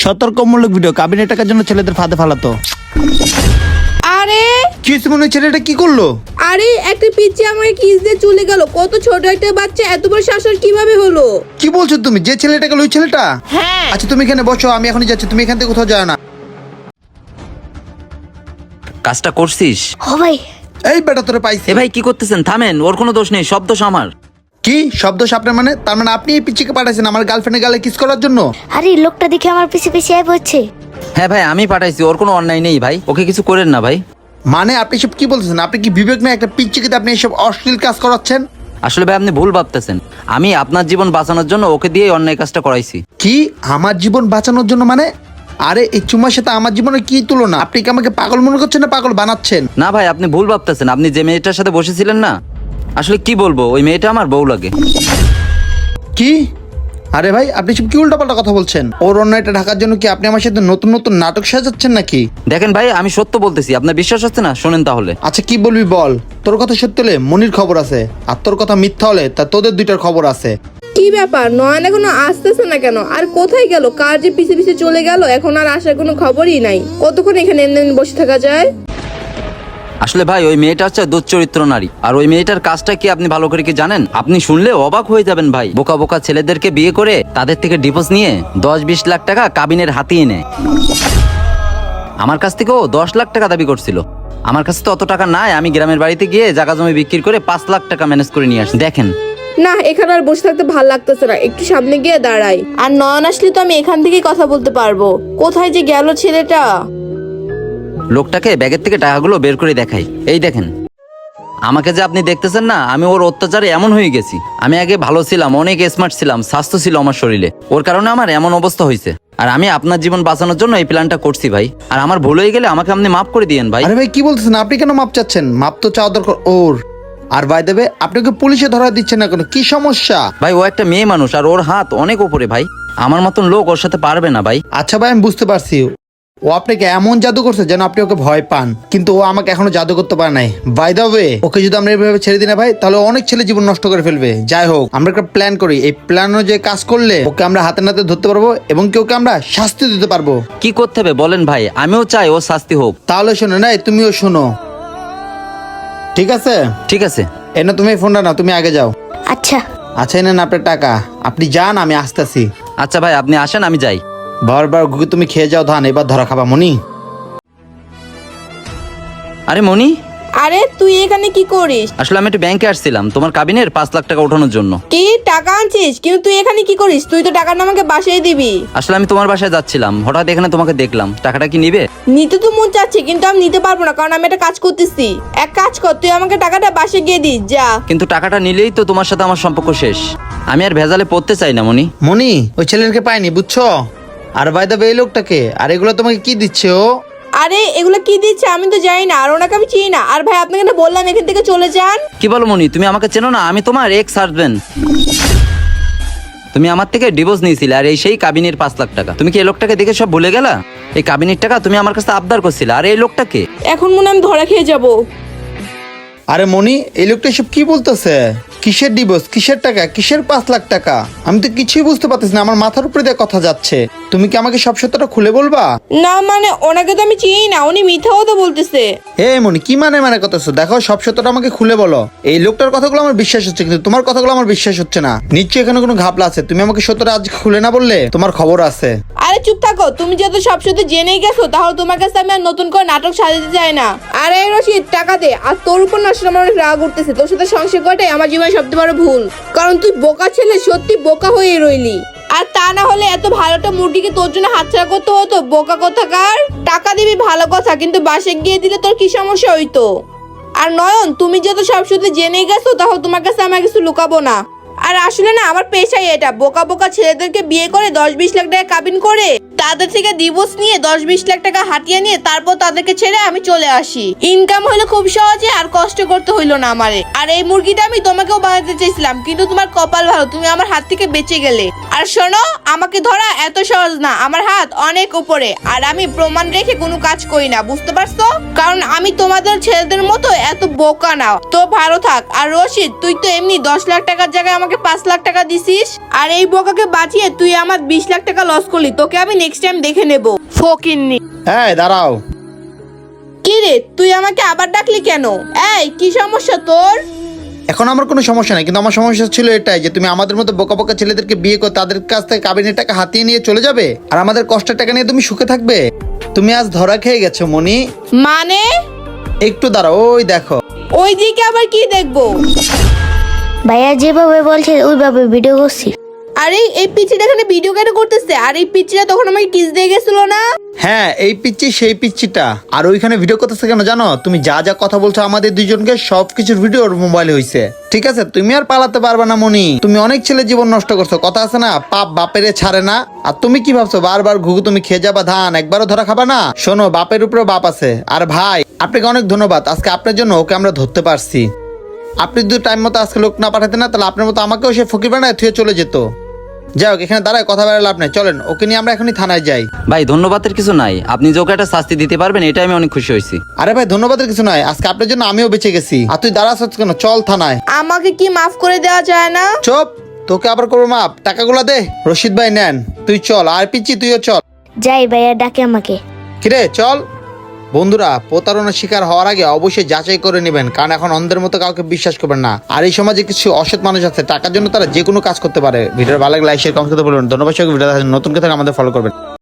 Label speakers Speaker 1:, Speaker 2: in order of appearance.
Speaker 1: সতর্কমূলক video, কাবিনের টাকার জন্য ছেলেদের ফাঁদে ফালাতো।
Speaker 2: আরে
Speaker 1: কি হয়েছে মনে হয়, ছেলেটা কি করলো?
Speaker 2: আরে একটা পিচ্চি আমাকে কিস দিয়ে চলে গেল। কত ছোট একটা বাচ্চা এত বড় শাসন কিভাবে হলো?
Speaker 1: কি বলছো তুমি? যে ছেলেটা গেল ওই ছেলেটা?
Speaker 2: হ্যাঁ।
Speaker 1: আচ্ছা তুমি এখানে বসো, আমি এখনই যাচ্ছি, তুমি এখান থেকে কোথাও যাও না।
Speaker 3: কাজটা করছিস?
Speaker 4: ও ভাই,
Speaker 1: এই বেটা তোরে পাইছি।
Speaker 3: এ ভাই কি করতেছেন? থামেন, ওর কোনো দোষ নেই, সব দোষ আমার।
Speaker 1: কি শব্দ আপনার? মানে তার মানে আপনি এই পিচ্চিকে পাঠাইছেন আমার গার্লফ্রেন্ডের গালে কিস করার জন্য?
Speaker 4: আরে এই লোকটা দেখে আমার পিছে পিছে আয় পড়ছে।
Speaker 3: হ্যাঁ ভাই, আমি পাঠাইছি, ওর কোনো অন্যায় নেই ভাই, ওকে কিছু করেন না ভাই।
Speaker 1: মানে আপনি সব কি বলতেছেন? আপনি কি বিবেক না? একটা পিচ্চিকে আপনি এসব অশ্লীল কাজ করাচ্ছেন?
Speaker 3: আসলে ভাই আপনি ভুল ভাবতেছেন, আমি আপনার জীবন বাঁচানোর জন্য ওকে দিয়ে অন্যায় কাজটা করাইছি।
Speaker 1: কি আমার জীবন বাঁচানোর জন্য মানে? আরে এই চুমার সাথে আমার জীবনের কি তুলনা? আপনি কি আমাকে পাগল মনে করছেন না পাগল বানাচ্ছেন?
Speaker 3: না ভাই, আপনি ভুল ভাবতেছেন, আপনি যে মেয়েটার সাথে বসেছিলেন না, আসলে কি বলবো, ওই মেয়েটা আমার বউ লাগে।
Speaker 1: কি? আরে ভাই আপনি সব কি উল্টাপাল্টা কথা বলছেন? ওর অন্যায়টা ঢাকার জন্য কি আপনি আমার সাথে নতুন নতুন নাটক সাজাচ্ছেন নাকি?
Speaker 3: দেখেন ভাই, আমি সত্য বলতেছি, আপনার বিশ্বাস হচ্ছে না? শোনেন তাহলে।
Speaker 1: আচ্ছা কি বলবি বল। তোর কথা সত্য হলে মনির খবর আছে, আর তোর কথা মিথ্যা হলে তা তোদের দুইটার খবর আছে।
Speaker 2: কি ব্যাপার, নয়ন এখনো আসতেছে না কেন? আর কোথায় গেল? কার যে পিছে পিছে চলে গেল, এখন আর আসার কোনো খবরই নাই। কতক্ষণ এখানে এমনি বসে থাকা যায়?
Speaker 3: আসলে ভাই ওই মেয়েটা হচ্ছে দুশ্চরিত্র নারী, আর ওই মেয়েটার কাজটা কি আপনি ভালো করে কি জানেন? আপনি শুনলে অবাক হয়ে যাবেন ভাই। বোকা বোকা ছেলেদেরকে বিয়ে করে তাদের থেকে ডিভোর্স নিয়ে 10-20 লাখ টাকা কাবিনের হাতিয়ে নেয়। আমার কাছ থেকেও 10 লাখ টাকা দাবি করছিল। আমার কাছে তো অত টাকা নাই, আমি গ্রামের বাড়িতে গিয়ে জায়গা জমি বিক্রি করে 5 লাখ টাকা ম্যানেজ করে নিয়ে আসি। দেখেন
Speaker 2: না, এখানে আর বসে থাকতে ভাল লাগতেছে না, একটু সামনে গিয়ে দাঁড়াই। আর নয়ন আসলে তো আমি এখান থেকেই কথা বলতে পারবো। কোথায় যে গেল ছেলেটা?
Speaker 3: লোকটাকে ব্যাগের থেকে টাকাগুলো বের করে দেখাই। এই দেখেন, আমাকে যে আপনি দেখতেছেন না, আমি ওর অত্যাচারে এমন হয়ে গেছি। আমি আগে ভালো ছিলাম, অনেক স্মার্ট ছিলাম, স্বাস্থ্য ছিল আমার শরীরে, ওর কারণে আমার এমন অবস্থা হয়েছে। আর আমি আপনার জীবন বাঁচানোর জন্য এই প্ল্যানটা করছি ভাই। আর আমার ভুল হয়ে গেলে আমাকে আপনি মাফ করে দিয়েন ভাই।
Speaker 1: আরে ভাই কি বলতেছেন? আপনি কেন মাপ চাচ্ছেন? মাপ তো চাওয়া দরকার ওর। আর ভাই দেবে আপনাকে পুলিশে ধরা দিচ্ছেন না কেন? কি সমস্যা?
Speaker 3: ভাই ও একটা মেয়ে মানুষ, আর ওর হাত অনেক উপরে ভাই, আমার মতন লোক ওর সাথে পারবে না ভাই।
Speaker 1: আচ্ছা ভাই আমি বুঝতে পারছি, ও আপনাকে এমন জাদু করছে যেন আপনি ওকে ভয় পান, কিন্তু ও আমাকে এখনো জাদু করতে পারে নাই। বাই দ্য ওয়ে, ওকে যদি আমরা এইভাবে ছেড়ে দিই না ভাই, তাহলে অনেক ছেলে জীবন নষ্ট করে ফেলবে। যাই হোক, আমরা একটা প্ল্যান করি, এই প্ল্যান অনুযায়ী কাজ করলে ওকে আমরা হাতে নাতে ধরতে পারবো এবং কি ওকে আমরা শাস্তি দিতে পারবো।
Speaker 3: কি করতে হবে বলেন ভাই, আমিও চাই ও শাস্তি হোক।
Speaker 1: তাহলে শোনো, নাই তুমিও শোনো, ঠিক আছে?
Speaker 3: ঠিক আছে।
Speaker 1: এনে তুমি এই ফোনটা না, তুমি আগে যাও।
Speaker 4: আচ্ছা
Speaker 1: আচ্ছা এনে না আপনার টাকা, আপনি যান, আমি আসতেছি।
Speaker 3: আচ্ছা ভাই আপনি আসেন, আমি যাই।
Speaker 1: বারবার ঘুরে তুমি খেয়ে যাও ধান, এবার ধরা খাবা মনি।
Speaker 3: আরে মনি,
Speaker 2: আরে তুই এখানে কি করিস?
Speaker 3: আসলে আমি একটু ব্যাংকে আসছিলাম তোমার কাবিনের 5 লাখ টাকা ওঠানোর জন্য।
Speaker 2: কি টাকা আনছিস? কিন্তু তুই এখানে কি করিস? তুই তো টাকাটা আমাকে বাসায় দিবি।
Speaker 3: আসলে আমি তোমার বাসায় যাচ্ছিলাম, হঠাৎ এখানে তোমাকে দেখলাম। টাকাটা কি নিবে?
Speaker 2: নিতে তো মন চাচ্ছে, কিন্তু আমি নিতে পারবো না, কারণ আমি একটা কাজ করতেছি। এক কাজ কর, তুই আমাকে টাকাটা বাসায় গিয়ে দিস যা।
Speaker 3: কিন্তু টাকাটা নিলেই তো তোমার সাথে আমার সম্পর্ক শেষ। আমি আর ভেজালে পড়তে চাই না মনি।
Speaker 1: মনি ওই ছেলেকে পাইনি বুঝছো? আর ভাই দেবে এই লোকটাকে, আর এগুলো তোমাকে কি দিচ্ছে ও?
Speaker 2: আরে এগুলো কি দিচ্ছে আমি তো জানি না, আর ওনাকে আমি চিনি না। আর ভাই আপনাকে না বললাম এখান থেকে চলে যান।
Speaker 3: কি বলো মনি, তুমি আমাকে চেনো না? আমি তোমার এক্স হাজবেন্ড। তুমি আমার থেকে ডিভোর্স নিয়েছিলে, আর এই সেই কাবিনের 5 লাখ টাকা। তুমি কি এই লোকটাকে দেখে সব ভুলে গেলা? এই কাবিনের টাকা তুমি আমার কাছে আবদার করছিলে, আর এই লোকটাকে
Speaker 2: এখন মনে হয় আমি ধরা খেয়ে যাবো।
Speaker 1: আরে মনি এই লোকটা সব কি বলতেছে? কিসের ডিভোর্স, কিসের টাকা, কিসের 5 লাখ টাকা? আমি তো কিছুই বুঝতে পারতেছি না, আমার মাথার উপরে দিয়ে কথা যাচ্ছে। তুমি কি আমাকে সব সত্যটা খুলে বলবা?
Speaker 2: না মানে ওনাকে তো আমি চিনি না, উনি মিথ্যা কথা বলতেছে।
Speaker 1: হে মনি কি মানে মানে কথাছো? দেখো সব সত্যটা আমাকে খুলে বলো। এই লোকটার কথাগুলো আমার বিশ্বাস হচ্ছে, কিন্তু তোমার কথাগুলো আমার বিশ্বাস হচ্ছে না। নিশ্চয়ই এখানে কোনো ঘাপলা আছে। তুমি আমাকে সত্যটা আজ খুলে না বললে তোমার খবর আছে।
Speaker 2: আরে চুপ থাকো, তুমি যেহেতু সব সত্যি জেনেই গেছো, তাহলে তোমার কাছে আমি আর নতুন করে নাটক সাজাতে চাই না। আরে রশিদ টাকা দে। আর তোর উপর না আসলে আমার অনেক রাগ উঠতেছে। তোর সাথে সংসার করাটাই আমার জীবনে সবচেয়ে বড় ভুল, কারণ তুই বোকা ছেলে, সত্যি বোকা হয়ে রইলি। আর তা না হলে এত ভালোটা মুরগিকে তোর জন্য হাতছাড়া করতে হতো, বোকা কোথাকার। টাকা দিবি ভালো কথা, কিন্তু বাসে গিয়ে দিলে তোর কি সমস্যা হইতো? আর নয়ন, তুমি যেহেতু সব সত্যি জেনেই গেছো, তাহলে তোমার কাছে আমার কিছু লুকাবো না। আর আসলে না আমার পেশাই এটা, বোকা বোকা ছেলেদেরকে বিয়ে করে 10-20 লাখ টাকা কাবিন করে তাদের থেকে ডিভোর্স নিয়ে 10-20 লাখ টাকা হাতিয়ে নিয়ে তারপর তাদেরকে ছেড়ে আমি চলে আসি। ইনকাম হইলো খুব সহজে, আর কষ্ট করতে হইলো না আমারে। আর এই মুরগিটা আমি তোমাকেও বানাতে চাইছিলাম, কিন্তু তোমার কপাল ভালো, তুমি আমার হাত থেকে বেঁচে গেলে। আর শোনো, আমাকে ধরা এত সহজ না, আমার হাত অনেক উপরে, আর আমি প্রমাণ রেখে কোনো কাজ করি না, বুঝতে পারছো? কারণ আমি তোমাদের ছেলেদের মতো এত বোকা না। তো ভালো থাক। আর রশিদ, তুই তো এমনি 10 লাখ টাকার জায়গায় আমাকে 5 লাখ টাকা দিছিস, আর এই বোকাকে বাঁচিয়ে তুই আমার 20 লাখ টাকা লস করলি। তোকে আমি নেক্সট নেক্সট টাইম দেখে নেব। ফকিন্নি।
Speaker 1: এই দাঁড়াও।
Speaker 2: কি রে, তুই আমাকে আবার ডাকলি কেন? এই কি সমস্যা তোর?
Speaker 1: এখন আমার কোনো সমস্যা নাই, কিন্তু আমার সমস্যা ছিল এটাই যে তুমি আমাদের মতো বোকা বোকা ছেলেদেরকে বিয়ে করে তাদের কাছ থেকে কাবিনের টাকা হাতিয়ে নিয়ে চলে যাবে, আর আমাদের কষ্টের টাকা নিয়ে তুমি সুখে থাকবে। তুমি আজ ধরা খেয়ে গেছো মনি।
Speaker 2: মানে?
Speaker 1: একটু দাঁড়াও, ওই দেখো।
Speaker 2: ওই দিকে আবার কি দেখবো?
Speaker 4: ভাইয়া যেভাবে বলছে ওইভাবে ভিডিও করছি।
Speaker 2: আরে এই পিচ্চিটা এখানে ভিডিও কেন করতেছে? আর এই পিচ্চিটা তখন আমাকে কিস দিয়ে গেছিল না?
Speaker 1: হ্যাঁ, এই পিচ্চি সেই পিচ্চিটা। আর ওইখানে ভিডিও করতেছে কেন জানো? তুমি যা যা কথা বলছো আমাদের দুইজনকে সবকিছুর ভিডিও ওর মোবাইলে হইছে। ঠিক আছে, তুমি আর পালাতে পারবে না মনি। তুমি অনেক ছেলে জীবন নষ্ট করছো, কথা আছে না, পাপ বাপেরে ছাড়ে না। আর তুমি কি ভাবছো বারবার ঘুঘু তুমি খেয়ে যাবা ধান, একবারও ধরা খাবা না? শোনো, বাপের উপরে বাপ আছে। আর ভাই, আপনাকে অনেক ধন্যবাদ, আজকে আপনার জন্য ওকে আমরা ধরতে পারছি। আপনি যদি টাইম মতো আজকে লোক না পাঠাতেন না, তাহলে আপনার মতো আমাকেও সে ফকির বানায় থুয়ে চলে যেত। যাই হোক, এখানে দাঁড়ায় কথা বেড়ে লাভ নেই, চলেন ওকে নিয়ে আমরা এখনই থানায় যাই।
Speaker 3: ভাই ধন্যবাদের কিছু নাই, আপনি যে ওকে একটা শাস্তি দিতে পারবেন এটা আমি অনেক খুশি হয়েছি।
Speaker 1: আরে ভাই, ধন্যবাদের কিছু নয়, আজকে আপনার জন্য আমিও বেঁচে গেছি। আর তুই দাঁড়াস কেন, চল থানায়।
Speaker 2: আমাকে কি মাফ করে দেওয়া যায় না?
Speaker 1: চুপ, তোকে আবার করবো মাপ, টাকাগুলা দে। রশিদ ভাই নেন, তুই চল। আর পিচ্ছি তুইও চল।
Speaker 4: যাই ভাইয়া ডাকে আমাকে।
Speaker 1: কিরে চল। বন্ধুরা, প্রতারণার শিকার হওয়ার আগে অবশ্যই যাচাই করে নেবেন, কারণ এখন অন্ধের মতো কাউকে বিশ্বাস করবেন না। আর এই সমাজে কিছু অসৎ মানুষ আছে, টাকার জন্য তারা যে কোনো কাজ করতে পারে। ভিডিওর ভালো লাগলে লাইক শেয়ার কমেন্ট করতে বলবেন। ধন্যবাদ। ভিডিও নতুন কথা আমাদের ফলো করবেন।